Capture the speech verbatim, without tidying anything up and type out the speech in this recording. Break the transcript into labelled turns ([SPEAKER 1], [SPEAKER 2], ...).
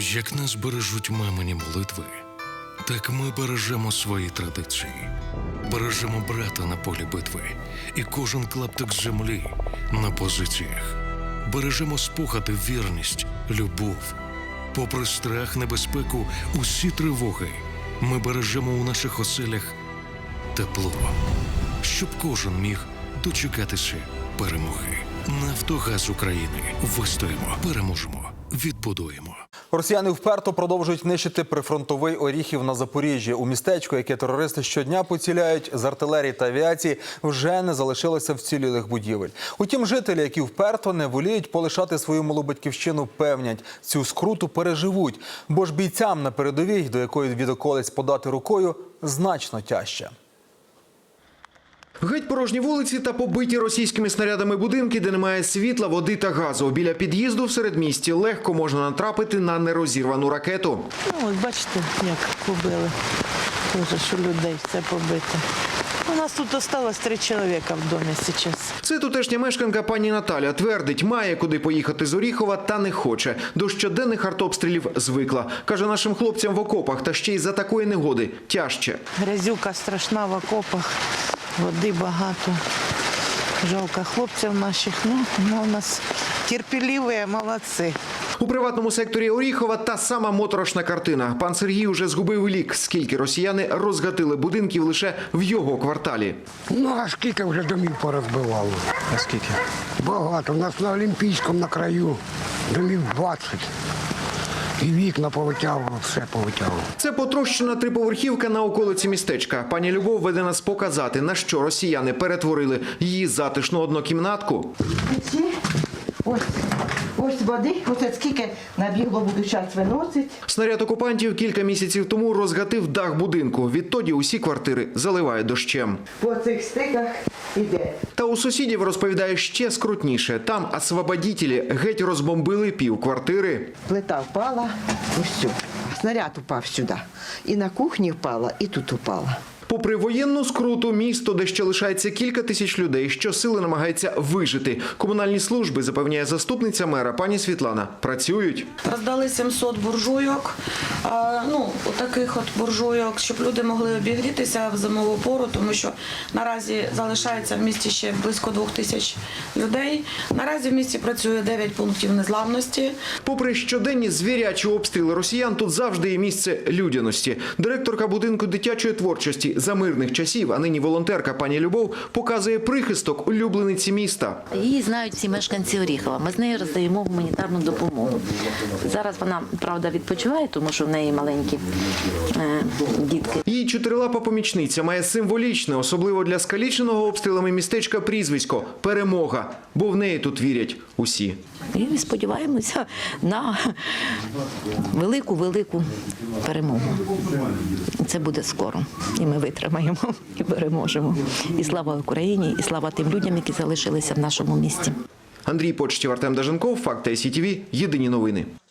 [SPEAKER 1] Як нас бережуть мамині молитви, так ми бережемо свої традиції. Бережемо брата на полі битви і кожен клаптик землі на позиціях. Бережемо спогади, вірність, любов. Попри страх, небезпеку, усі тривоги, ми бережемо у наших оселях тепло, щоб кожен міг дочекатися перемоги. Нафтогаз України. Вистоїмо, переможемо, відбудуємо.
[SPEAKER 2] Росіяни вперто продовжують нищити прифронтовий Оріхів на Запоріжжі. У містечку, яке терористи щодня поціляють з артилерії та авіації, вже не залишилося вцілілих будівель. Утім, жителі, які вперто не воліють полишати свою малу батьківщину, певнять, цю скруту переживуть. Бо ж бійцям на передовій, до якої від околиць подати рукою, значно тяжче.
[SPEAKER 3] Геть порожні вулиці та побиті російськими снарядами будинки, де немає світла, води та газу. Біля під'їзду в середмісті легко можна натрапити на нерозірвану ракету.
[SPEAKER 4] Ну, ось бачите, як побили. Тоже, що людей все побито. У нас тут осталось три чоловіка в домі зараз.
[SPEAKER 3] Це тутешня мешканка пані Наталя. Твердить, має куди поїхати з Оріхова та не хоче. До щоденних артобстрілів звикла. Каже, нашим хлопцям в окопах та ще й за такої негоди тяжче.
[SPEAKER 4] Грязюка страшна в окопах, води багато. Жалко хлопців наших, ну, ну у нас терпеливі, молодці.
[SPEAKER 3] У приватному секторі Оріхова та сама моторошна картина. Пан Сергій уже згубив лік, скільки росіяни розгатили будинків лише в його кварталі.
[SPEAKER 5] Ну, а скільки вже домів порозбивало?
[SPEAKER 3] А скільки?
[SPEAKER 5] Багато. У нас на Олімпійському на краю домів двадцять. І вікна повитягувало, все повитягувало.
[SPEAKER 3] Це потрощена триповерхівка на околиці містечка. Пані Любов веде нас показати, на що росіяни перетворили її затишну однокімнатку.
[SPEAKER 6] Ось, ось води, ось скільки набігло, буду час виносить.
[SPEAKER 3] Снаряд окупантів кілька місяців тому розгатив дах будинку. Відтоді усі квартири заливає дощем.
[SPEAKER 6] По цих стиках іде.
[SPEAKER 3] Та у сусідів, розповідає, ще скрутніше. Там освободітелі геть розбомбили пів квартири.
[SPEAKER 6] Плита впала, ось сюди. Снаряд упав сюди. І на кухні впала, і тут упала.
[SPEAKER 3] Попри воєнну скруту, місто, де ще лишається кілька тисяч людей, щосили намагається вижити. Комунальні служби, запевняє заступниця мера пані Світлана, працюють.
[SPEAKER 7] Роздали сімсот буржуйок, ну, таких от буржуйок, щоб люди могли обігрітися в зимову пору, тому що наразі залишається в місті ще близько двох тисяч людей. Наразі в місті працює дев'ять пунктів незламності.
[SPEAKER 3] Попри щоденні звірячі обстріли росіян, тут завжди є місце людяності. Директорка будинку дитячої творчості за мирних часів, а нині волонтерка пані Любов, показує прихисток улюблениці міста.
[SPEAKER 8] Її знають всі мешканці Оріхова. Ми з нею роздаємо гуманітарну допомогу. Зараз вона, правда, відпочиває, тому що в неї маленькі е, дітки.
[SPEAKER 3] Її чотирилапа помічниця має символічне, особливо для скаліченого обстрілами містечка прізвисько – «Перемога», бо в неї тут вірять усі.
[SPEAKER 8] І сподіваємося на велику-велику перемогу. Це буде скоро. І ми витримаємо, і переможемо. І слава Україні, і слава тим людям, які залишилися в нашому місті.
[SPEAKER 3] Андрій Почтів, Артем Даженков, Факти ай сі ті ві, єдині новини.